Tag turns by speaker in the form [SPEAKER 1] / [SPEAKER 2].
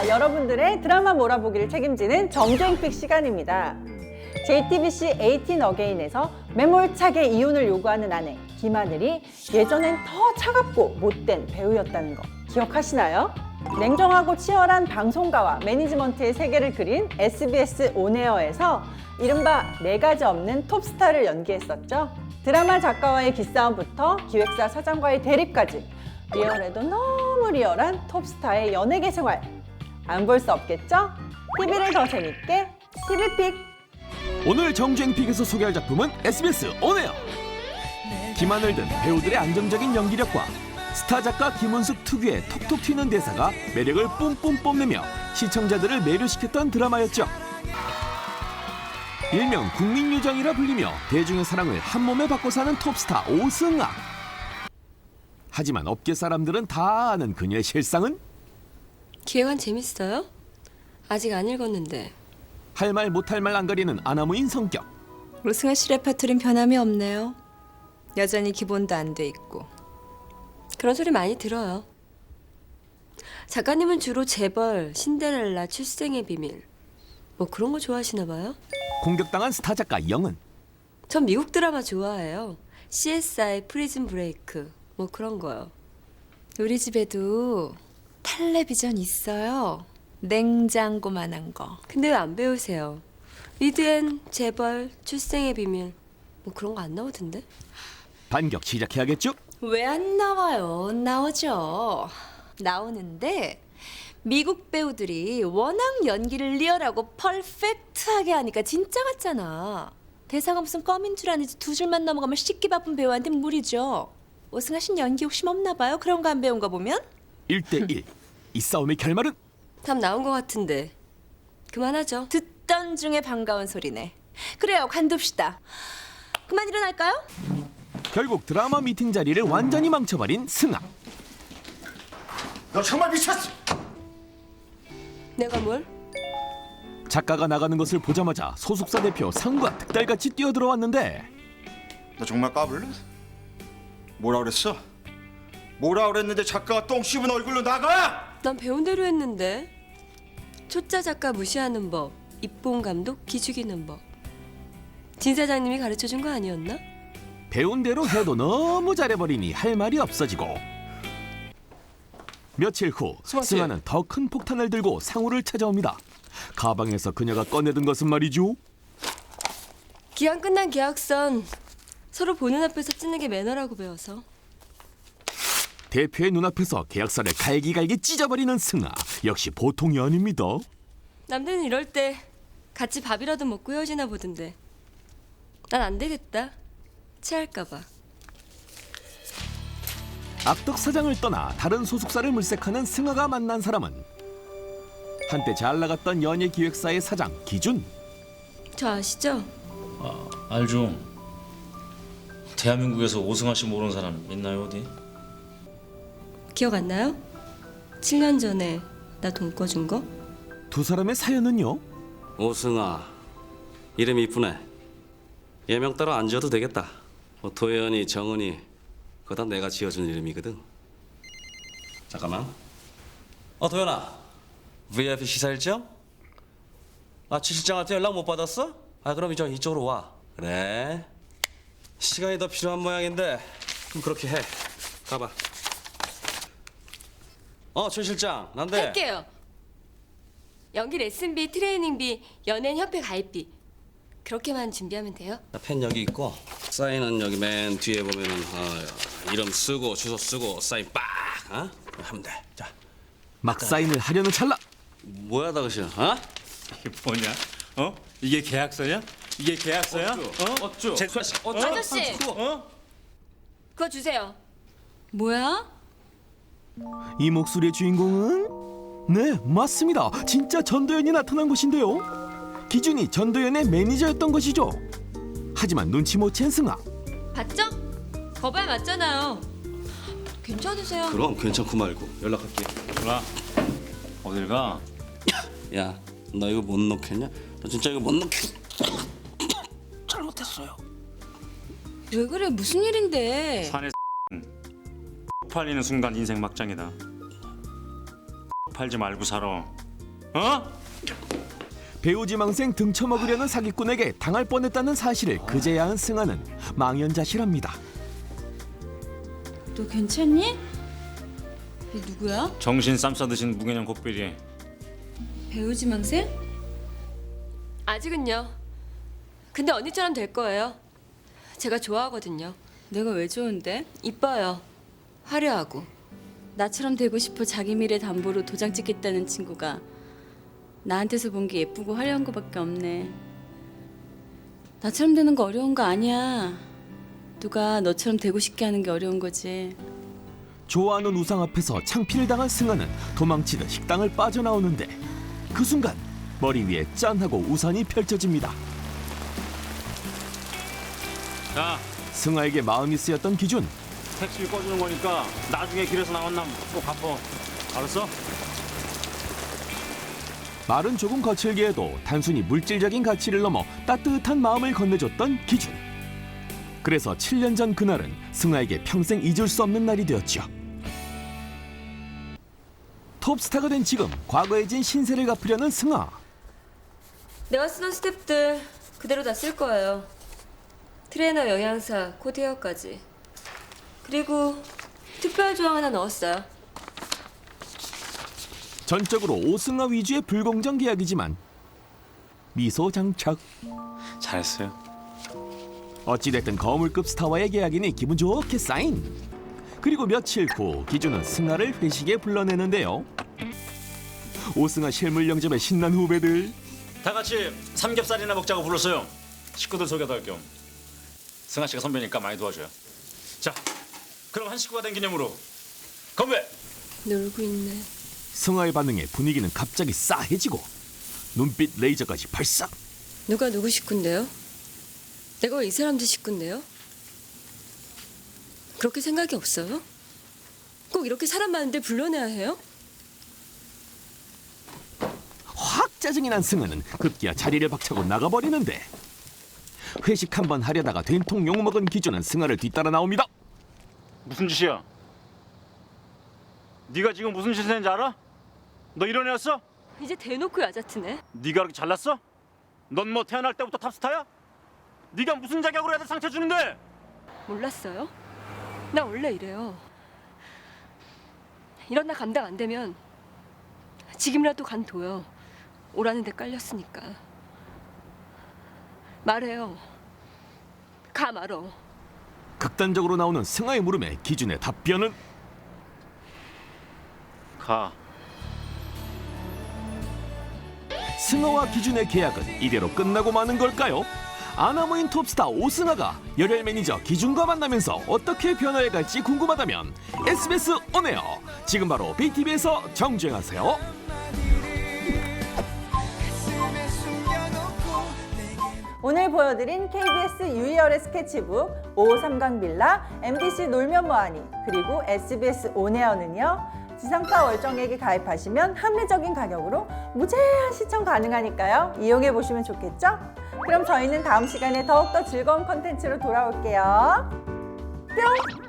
[SPEAKER 1] 여러분들의 드라마 몰아보기를 책임지는 정주행픽 시간입니다. JTBC 18 어게인에서 매몰차게 이혼을 요구하는 아내 김하늘이 예전엔 더 차갑고 못된 배우였다는 거 기억하시나요? 냉정하고 치열한 방송가와 매니지먼트의 세계를 그린 SBS 온에어에서 이른바 4가지 없는 톱스타를 연기했었죠. 드라마 작가와의 기싸움부터 기획사 사장과의 대립까지 리얼해도 너무 리얼한 톱스타의 연예계 생활 안 볼 수 없겠죠? TV를 더 재밌게 TV픽.
[SPEAKER 2] 오늘 정주행픽에서 소개할 작품은 SBS 온에어. 김하늘 등 배우들의 안정적인 연기력과 스타 작가 김은숙 특유의 톡톡 튀는 대사가 매력을 뿜뿜 뽐내며 시청자들을 매료시켰던 드라마였죠. 일명 국민요정이라 불리며 대중의 사랑을 한몸에 받고 사는 톱스타 오승아. 하지만 업계 사람들은 다 아는 그녀의 실상은?
[SPEAKER 3] 기획안 재밌어요? 아직 안 읽었는데.
[SPEAKER 2] 할 말 못할 말 안 가리는 아나무인 성격.
[SPEAKER 4] 오승아 씨 레퍼토리는 변함이 없네요. 여전히 기본도 안 돼 있고.
[SPEAKER 3] 그런 소리 많이 들어요. 작가님은 주로 재벌, 신데렐라, 출생의 비밀 뭐 그런 거 좋아하시나 봐요?
[SPEAKER 2] 공격당한 스타 작가 영은
[SPEAKER 3] 전 미국 드라마 좋아해요. CSI, 프리즌 브레이크 뭐 그런 거요.
[SPEAKER 4] 우리 집에도 텔레비전 있어요. 냉장고만한 거.
[SPEAKER 3] 근데 왜 안 배우세요? 리드앤, 재벌, 출생의 비밀 뭐 그런 거 안 나오던데?
[SPEAKER 2] 반격 시작해야겠죠?
[SPEAKER 4] 왜 안 나와요? 나오죠. 나오는데 미국 배우들이 워낙 연기를 리얼하고 퍼펙트하게 하니까 진짜 같잖아. 대사가 무슨 껌인 줄 아는지 2줄만 넘어가면 씻기 바쁜 배우한테 무리죠. 오승아 씨는 연기 욕심 없나 봐요? 그런 거 안 배운 거 보면?
[SPEAKER 2] 1대1. 이 싸움의 결말은?
[SPEAKER 3] 답 나온 거 같은데 그만하죠.
[SPEAKER 4] 듣던 중에 반가운 소리네. 그래요, 관둡시다. 그만 일어날까요?
[SPEAKER 2] 결국 드라마 미팅 자리를 완전히 망쳐버린 승아.
[SPEAKER 5] 너 정말 미쳤어!
[SPEAKER 3] 내가 뭘?
[SPEAKER 2] 작가가 나가는 것을 보자마자 소속사 대표 상과 득달같이 뛰어들어왔는데
[SPEAKER 5] 너 정말 까불래? 뭐라 그랬어? 뭐라 그랬는데 작가가 똥 씹은 얼굴로 나가!
[SPEAKER 3] 난 배운 대로 했는데. 초짜 작가 무시하는 법, 입봉 감독 기죽이는 법. 진 사장님이 가르쳐준 거 아니었나?
[SPEAKER 2] 배운 대로 해도 너무 잘해버리니 할 말이 없어지고 며칠 후 승아는 더 큰 폭탄을 들고 상우를 찾아옵니다. 가방에서 그녀가 꺼내든 것은 말이죠.
[SPEAKER 3] 기한 끝난 계약선 서로 보는 앞에서 찢는 게 매너라고 배워서.
[SPEAKER 2] 대표의 눈앞에서 계약서를 갈기갈기 찢어버리는 승아. 역시 보통이 아닙니다.
[SPEAKER 3] 남들은 이럴 때 같이 밥이라도 먹고 헤어지나 보던데. 난 안 되겠다. 체할까 봐.
[SPEAKER 2] 악덕 사장을 떠나 다른 소속사를 물색하는 승아가 만난 사람은 한때 잘 나갔던 연예기획사의 사장 기준.
[SPEAKER 3] 저 아시죠?
[SPEAKER 6] 알죠. 대한민국에서 오승아 씨 모르는 사람 있나요 어디?
[SPEAKER 3] 기억 안 나요? 7년 전에 나 돈 꿔준 거?
[SPEAKER 2] 두 사람의 사연은요?
[SPEAKER 7] 오승아, 이름 이쁘네. 예명 따로 안 지어도 되겠다. 뭐 도연이, 정은이 그거 다 내가 지어준 이름이거든. 잠깐만. 도연아, VIP 시사 일정? 최 실장한테 연락 못 받았어? 그럼 이쪽으로 와. 그래. 시간이 더 필요한 모양인데 그럼 그렇게 해. 가봐. 최 실장, 난데.
[SPEAKER 3] 할게요. 연기 레슨비, 트레이닝비, 연예인 협회 가입비 그렇게만 준비하면 돼요?
[SPEAKER 7] 펜 여기 있고 사인은 여기 맨 뒤에 보면은 이름 쓰고 주소 쓰고 사인 빡 하면 돼. 자,
[SPEAKER 2] 막 사인을 하려는 찰나
[SPEAKER 7] 뭐야 당신?
[SPEAKER 8] 이게 뭐냐? 이게 계약서냐? 이게 계약서야?
[SPEAKER 7] 어쭈?
[SPEAKER 3] 아저씨! 그거 주세요.
[SPEAKER 4] 뭐야?
[SPEAKER 2] 이 목소리의 주인공은? 네, 맞습니다. 진짜 전도연이 나타난 것인데요. 기준이 전도연의 매니저였던 것이죠. 하지만 눈치 못 챈 승아.
[SPEAKER 3] 봤죠? 거봐야 맞잖아요. 괜찮으세요?
[SPEAKER 7] 그럼 괜찮고 말고 연락할게.
[SPEAKER 8] 누나 어딜 가?
[SPEAKER 7] 야, 너 이거 못 넣겠냐? 너 진짜 이거 못 넣겠. 잘못했어요.
[SPEAKER 4] 왜 그래? 무슨 일인데?
[SPEAKER 8] 산에 팔리는 순간 인생 막장이다. 팔지 말고 살아. 어?
[SPEAKER 2] 배우지망생 등쳐먹으려는 사기꾼에게 당할 뻔했다는 사실을 그제야 한 승아는 망연자실합니다.
[SPEAKER 9] 너 괜찮니? 얘 누구야?
[SPEAKER 8] 정신 쌈 싸드신 무개념 곱비리.
[SPEAKER 9] 배우지망생?
[SPEAKER 3] 아직은요. 근데 언니처럼 될 거예요. 제가 좋아하거든요.
[SPEAKER 9] 내가 왜 좋은데?
[SPEAKER 3] 이뻐요. 화려하고.
[SPEAKER 9] 나처럼 되고 싶어 자기 미래 담보로 도장 찍겠다는 친구가 나한테서 본 게 예쁘고 화려한 거밖에 없네. 나처럼 되는 거 어려운 거 아니야. 누가 너처럼 되고 싶게 하는 게 어려운 거지.
[SPEAKER 2] 좋아하는 우상 앞에서 창피를 당한 승아는 도망치듯 식당을 빠져나오는데 그 순간 머리 위에 짠하고 우산이 펼쳐집니다.
[SPEAKER 8] 자,
[SPEAKER 2] 승아에게 마음이 쓰였던 기준.
[SPEAKER 8] 택시비 꺼주는 거니까 나중에 길에서 나왔나 꼭 갚어. 알았어?
[SPEAKER 2] 말은 조금 거칠게 해도 단순히 물질적인 가치를 넘어 따뜻한 마음을 건네줬던 기준. 그래서 7년 전 그날은 승아에게 평생 잊을 수 없는 날이 되었죠. 톱스타가 된 지금 과거에 진 신세를 갚으려는 승아.
[SPEAKER 3] 내가 쓰던 스텝들 그대로 다 쓸 거예요. 트레이너, 영양사, 코디어까지. 그리고 특별 조항 하나 넣었어요.
[SPEAKER 2] 전적으로 오승아 위주의 불공정 계약이지만 미소 장착.
[SPEAKER 8] 잘했어요.
[SPEAKER 2] 어찌됐든 거물급 스타와의 계약이니 기분 좋게 사인. 그리고 며칠 후 기준은 승아를 회식에 불러내는데요. 오승아 실물 영접에 신난 후배들.
[SPEAKER 8] 다 같이 삼겹살이나 먹자고 불렀어요. 식구들 소개도 할 겸. 승아 씨가 선배니까 많이 도와줘요. 자, 그럼 한 식구가 된 기념으로 건배.
[SPEAKER 3] 놀고 있네.
[SPEAKER 2] 승아의 반응에 분위기는 갑자기 싸해지고 눈빛 레이저까지 발사.
[SPEAKER 3] 누가 누구 식구인데요? 내가 왜 이 사람들 식구인데요? 그렇게 생각이 없어요? 꼭 이렇게 사람 많은데 불러내야 해요?
[SPEAKER 2] 확 짜증이 난 승아는 급기야 자리를 박차고 나가버리는데 회식 한번 하려다가 된통 욕먹은 기준은 승아를 뒤따라 나옵니다.
[SPEAKER 8] 무슨 짓이야? 네가 지금 무슨 짓을 했는지 알아? 너 이런 애였어?
[SPEAKER 3] 이제 대놓고 여자트네.
[SPEAKER 8] 네가 그렇게 잘났어? 넌 뭐 태어날 때부터 탑스타야? 네가 무슨 자격으로 애들 상처 주는데?
[SPEAKER 3] 몰랐어요? 나 원래 이래요. 이런 나 감당 안 되면 지금이라도 간둬요. 오라는 데 깔렸으니까. 말해요. 가 말어.
[SPEAKER 2] 극단적으로 나오는 승아의 물음에 기준의 답변은
[SPEAKER 8] 가.
[SPEAKER 2] 승아와 기준의 계약은 이대로 끝나고 마는 걸까요? 아나무인 톱스타 오승아가 열혈 매니저 기준과 만나면서 어떻게 변화해갈지 궁금하다면 SBS 온에어 지금 바로 BTV에서 정주행하세요.
[SPEAKER 1] 오늘 보여드린 KBS 유희열의 스케치북 553강 빌라, MBC 놀면 뭐하니, 그리고 SBS 온에어는요. 지상파 월정액에 가입하시면 합리적인 가격으로 무제한 시청 가능하니까요. 이용해 보시면 좋겠죠? 그럼 저희는 다음 시간에 더욱더 즐거운 컨텐츠로 돌아올게요. 뿅!